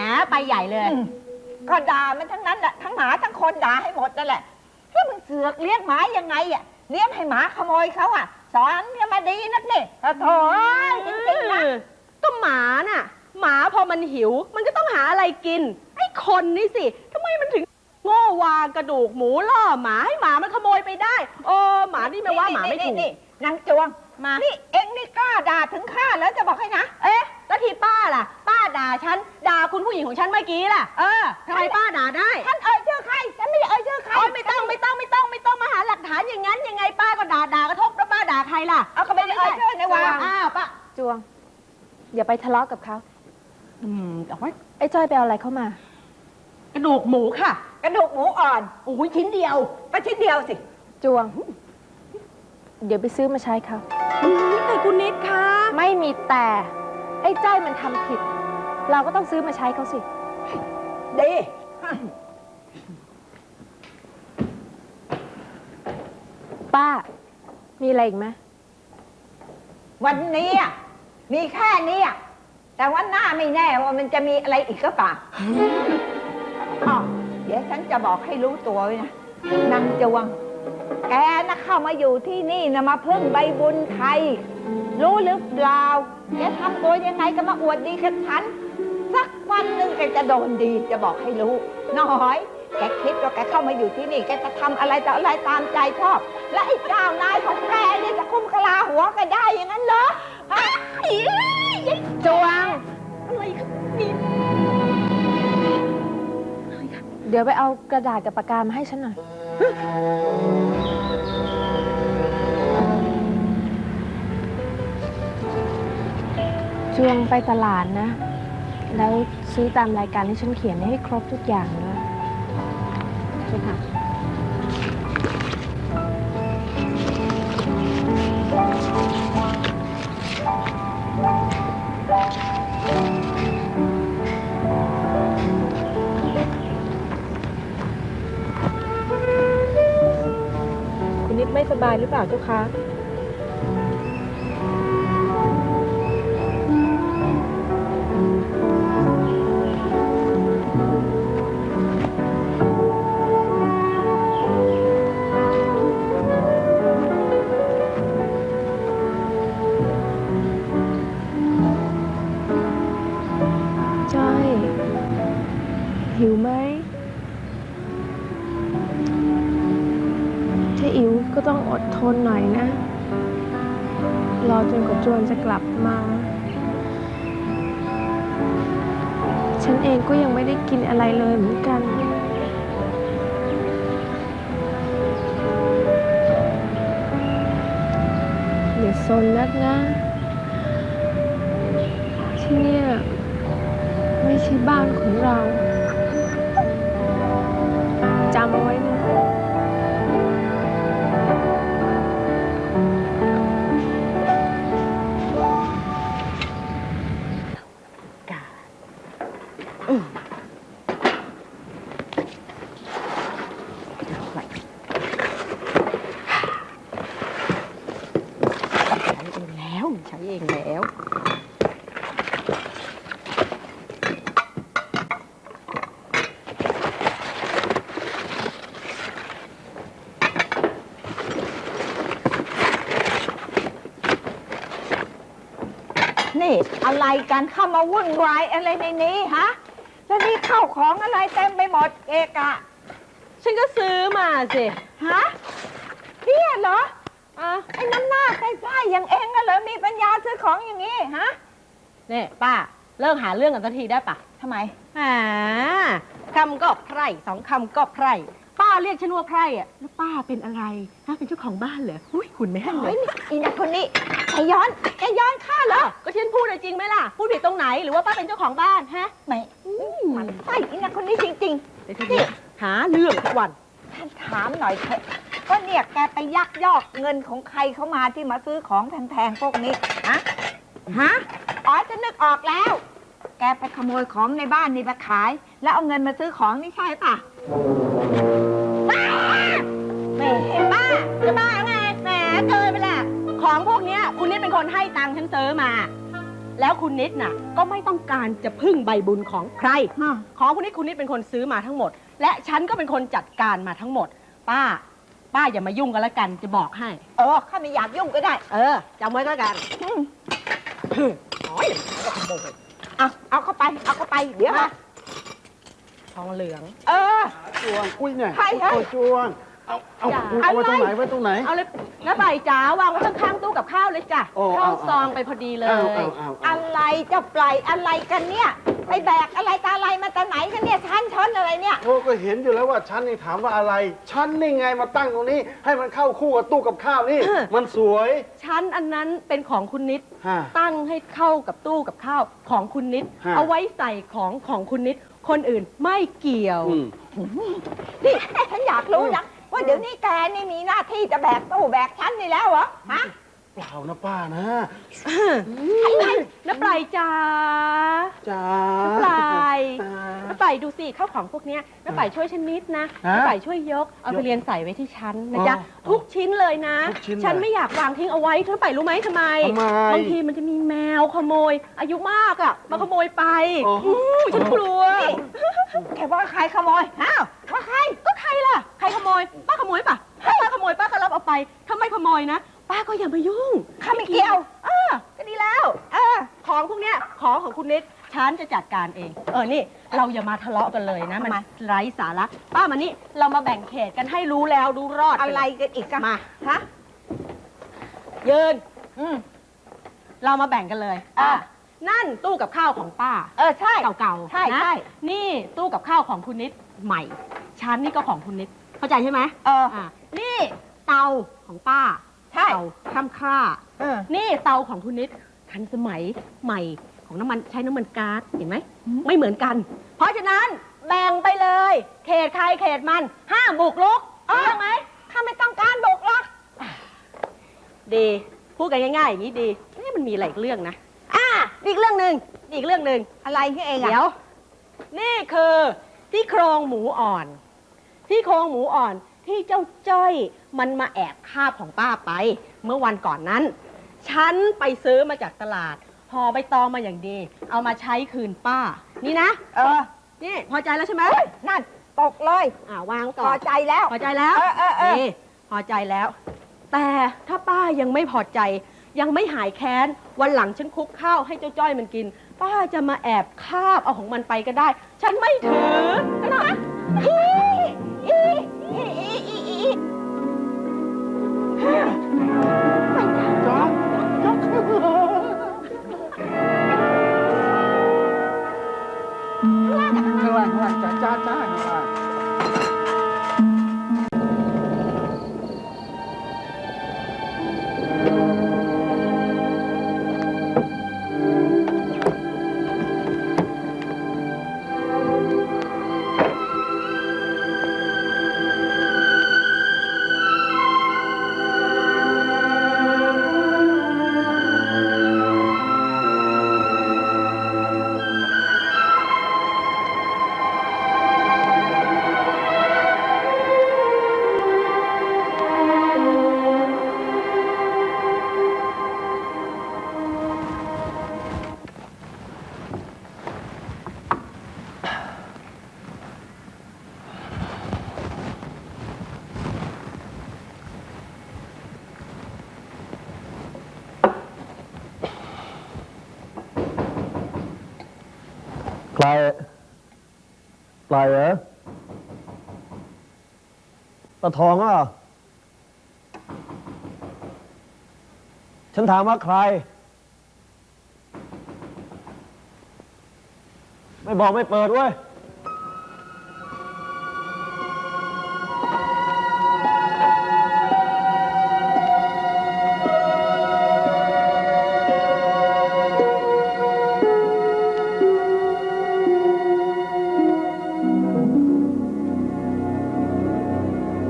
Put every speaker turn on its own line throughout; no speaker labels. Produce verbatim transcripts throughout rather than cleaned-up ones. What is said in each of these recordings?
ไปใหญ่เลยก็ด่ามันทั้งนั้นแหละทั้งหมาทั้งคนด่าให้หมดนั่นแหละแล้วมึงเสือกเลี้ยงหมายังไงอ่ะเลี้ยงให้หมาขโมยเขาอ่ะสอนกันมาดีนักนี่โถ่จริงๆนะ
ก็หมาน่ะหมาพอมันหิวมันก็ต้องหาอะไรกินไอ้คนนี่สิทำไมมันถึงโง่วางกระดูกหมูล่อหมาให้หมามันขโมยไปได้เออหมานี่ไม่ว่าหมาไม่ถูก
นางจวงมานี่เอ็งนี่กล้าด่าถึงข้าแล้วจะบอกให้นะ
เอ๊ะแล้วที่ป้าล่ะป้าด่าฉันด่าคุณผู้หญิงของฉันเมื่อกี้ล่ะเออทำไมป้าด่าได้
ฉันเอ่ยชื่อใครฉันไม่ได้เอ่ยชื่อใคร
ไม่ต้องไม่ต้องไม่ต้องไม่ต้องมาหาหลักฐานอย่างนั้นยังไงป้าก็ด่าด่ากระทบแล้วป้าด่าใครล่ะ
เอาเขาไม่ได้เอ่ยชื่อในวาง
อ้าวป้า
จวงอย่าไปทะเลาะกับเขา
อืมเอาไว้
ไอ้จ้อยไปเอาอะไรเข้ามา
กระดูกหมูค่ะ
กระดูกหมูอ่อน
โอ้ยชิ้นเดียว
ก็ชิ้นเดียวสิ
จวงเดี๋ยวไปซื้อมาใช้เขา
แต่คุณนิดคะ
ไม่มีแต่ไอ้จ้อยมันทำผิดเราก็ต้องซื้อมาใช้เขาสิ
ดี
ป้ามีอะไรอีกไหม
วันนี้มีแค่นี้แต่วันหน้าไม่แน่ว่ามันจะมีอะไรอีกก็ป่ะอ๋อเดี๋ยวฉันจะบอกให้รู้ตัวไว้นะนางจวงแกนะเข้ามาอยู่ที่นี่นะมาพึ่งใบบุญใครรู้หรือเปล่าแกทำตัวยังไงก็มาอวดดีกับฉันสักวันหนึ่งแกจะโดนดีจะบอกให้รู้น้อยแกคิดว่าแกเข้ามาอยู่ที่นี่แกจะทำอะไรต่ออะไรตามใจชอบและไอ้เจ้านายของแกนี่จะคุ้มกะลาหัวแกได้อย่างนั้นเหรอฮะ
จวง
อะไรครับนี่
เดี๋ยวไปเอากระดาษกับปากกามาให้ฉันหน่อยจวงไปตลาดนะแล้วซื้อตามรายการที่ฉันเขียนให้ครบทุกอย่างด้วยใช่ค่ะคุณนิดไม่สบายหรือเปล่าเจ้าคะหิวไหมถ้าหิวก็ต้องอดทนหน่อยนะรอจนกว่าจวนจะกลับมาฉันเองก็ยังไม่ได้กินอะไรเลยเหมือนกันอย่าซนนักนะที่เนี่ยไม่ใช่บ้านของเราจำเอาไว้นะ
กาใช้เองแล้วใช้เองแล้ว
นี่อะไรกันเข้ามาวุ่นวายอะไรในนี้ฮะแล้วนี่เข้าของอะไรเต็มไปหมดเอกะ
ฉันก็ซื้อมาสิ
ฮะเนี่ยเหรออ่ะไอ้น้ำหน้าใกล้ๆอย่างเองก็เลยมีปัญญาซื้อของอย่างนี้ฮะ
นี่ป้าเลิกหาเรื่องกันสักทีได้ปะ
ทำไม
อ่าคำก็ไพร่สองคำก็ไพร่ป้าเรียกฉันว่าไพร่อ่ะแล้วป้าเป็นอะไรฮะเป็นเจ้าของบ้านเหรออุ้ยหุ่นไม่ให้เลย
อีนักคนนี้แกย้อนแกย้อนข้าเหรอ
ก็ฉันพูดจริงไหมล่ะพูดผิดตรงไหนหรือว่าป้าเป็นเจ้าของบ้านฮะ
ไม่มันไส้อีนักคนนี้จริง
ๆนี่หาเรื่องทุกวัน
ท่านถามหน่อยเถอะก็เนี่ยแกไปยักยอกเงินของใครเข้ามาที่มาซื้อของแพงๆพวกนี้ฮะฮะอ๋อจะนึกออกแล้วแกไปขโมยของในบ้านนี่ไปขายแล้วเอาเงินมาซื้อของนี่ใช่ป่ะ
ไม่เห็นป้าจะบ้าไงแหมเกินไปแหละของพวกนี้คุณนี่เป็นคนให้ตังค์ฉันซื้อมาแล้วคุณนิดน่ะก็ไม่ต้องการจะพึ่งใบบุญของใคร ของคุณนิดคุณนิดเป็นคนซื้อมาทั้งหมด และฉันก็เป็นคนจัดการมาทั้งหมด ป้า ป้าอย่ามายุ่งกันแล้วกันจะบอกให้
เออข้าไม่อยากยุ่งก็ได้
เออจำไว้ก็แล้วกันโอ้ยก็ขโมย
เอาเอาเข้าไป เอาเข้าไป เดี๋ยว
มา
มา
ทองเหลือง
เออ
จวงอุ้ยเนี่ย
ใครฮะ
โอ้ยจวงเอาเอา
จ้ะ
เอาไว้ตรงไหนไว้ตรงไหน
เอาเลยน้าใบจ๋าวางไว้ข้างๆตู้กับข้าวเลยจ้ะ
โอ้
เข้า
เอาเอา
ซองไปพอดีเลย
เอาเอาเอาเอา
อะไรจะปล่อยอะไรกันเนี่ยไปแบกอะไรตาอะไรมาตาไหนกันเนี่ยชั้นช้อนอะไรเนี่ย
โอ้ก็เห็นอยู่แล้วว่าฉันนี่ถามว่าอะไร ฉันนี่ไงมาตั้งตรงนี้ ให้มันเข้าคู่กับตู้กับข้าวนี่ มันสวย
ชั้นอันนั้นเป็นของคุณนิด
ฮะ
ตั้งให้เข้ากับตู้กับข้าวของคุณนิด
ฮะ
เอาไว้ใส่ของของคุณนิด คนอื่นไม่เกี่ยว
อืม
นี่ฉันอยากรู้นะว่าเดี๋ยวนี้แกนี่มีหน้าที่จะแบกตู้แบกชั้นนี่แล้วเหรอฮะ
เปล่านะป้านะ
น้าปลายจ๋า
จ้า
น้าปลาย
จ้า
น้าปลายดูสิข้าวของพวกเนี้ยน้าปลายช่วยฉันนิดนะ
ฮะ
น้าปลายช่วยยก เอาไปเรียนใส่ไว้ที่ชั้นนะจ๊ะ
อ๋อ
ทุกชิ้นเลยนะ
ทุกชิ้นเลย
ฉันไม่อยากวางทิ้งเอาไว้น้าปลายรู้ไหมทำไม
ทำไม
บางทีมันจะมีแมวขโมย อายุมากอ่ะ มาขโมยไป
อ๋ออื
มฉันกลัว
แกว่าใครขโมยอ้าวว่าใคร
ก็ใครล่ะ ใครขโมย ป้าขโมยป่ะถ้าป้าขโมยป้าก็รับเอาไป ถ้าไม่ขโมยนะ ป้าก็อย่ามายุ่ง
ข้าไม่เกี่ยว
เออก็ดีแล้ว เออ ของพวกเนี้ย ของของคุณนิด ฉันจะจัดการเอง เออ นี่ เราอย่ามาทะเลาะกันเลยนะ มัน
ทำไม
ไร้สาระ ป้ามานี่ เรามาแบ่งเขตกันให้รู้แล้วรู้รอดป
อะไรกันอีกอะ
มา
ฮะ
ยืน
อืม
เรามาแบ่งกันเลย
อ่ะ
อ่ะนั่นตู้กับข้าวของป้า
เออใช่
เก่าๆ
ใช่
นะ
ใช่
นี่ตู้กับข้าวของคุณนิดใหม่ ชั้นนี่ก็ของคุณนิด เข้าใจใช่ไหม
เออ
อ่ะนี่เตาของป้า
ใช่
เตาข้ามค่า
เออ
นี่เตาของคุณนิดทันสมัยใหม่ของน้ำมันใช้น้ำมันก๊าซเห็นไหมไม่เหมือนกัน เพราะฉะนั้นแบ่งไปเลย เขตใครเขตมันห้ามบุกรุก
เออ
ใช่ไหม
ข้าไม่ต้องการบุกหรอก
ดีพูดกันง่ายๆอย่างนี้ดีนี่มันมีอะไรอีกเรื่องนะอ่าอีกเรื่องหนึ่งอีกเรื่องหนึ่ง
อะไรที่เองอะ
เดี๋ยว นี่คือที่โครงหมูอ่อน ที่โครงหมูอ่อนที่เจ้าจ้อยมันมาแอบคาบของป้าไป เมื่อวันก่อนนั้น ฉันไปซื้อมาจากตลาดห่อใบตองมาอย่างดี เอามาใช้คืนป้า นี่นะ
เออ
นี่พอใจแล้วใช่ไหม
เฮ้ยนั่นตกเลย
อ่าวาง
พ
ก่
อ
อน
ใจแล้ว
พอใจแล้ว
เออเออเออ
นี่พอใจแล้ว แต่ถ้าป้ายังไม่พอใจ ยังไม่หายแค้น วันหลังฉันคลุกข้าวให้เจ้าจ้อยมันกิน ป้าจะมาแอบคาบเอาของมันไปก็ได้ ฉันไม่ถือนะ
อีอีอีอีอีอี
จ้าจ้าข้างล่างข้างล่างจ้าจ้าจ้าข้างล่าง
ใครใครเหรอตาทองอ่ะฉันถามว่าใคร ไม่บอกไม่เปิดเว้ย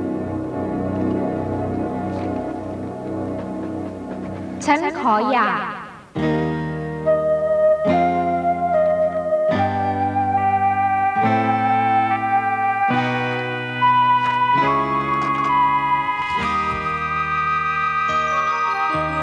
ฉันขอหย่า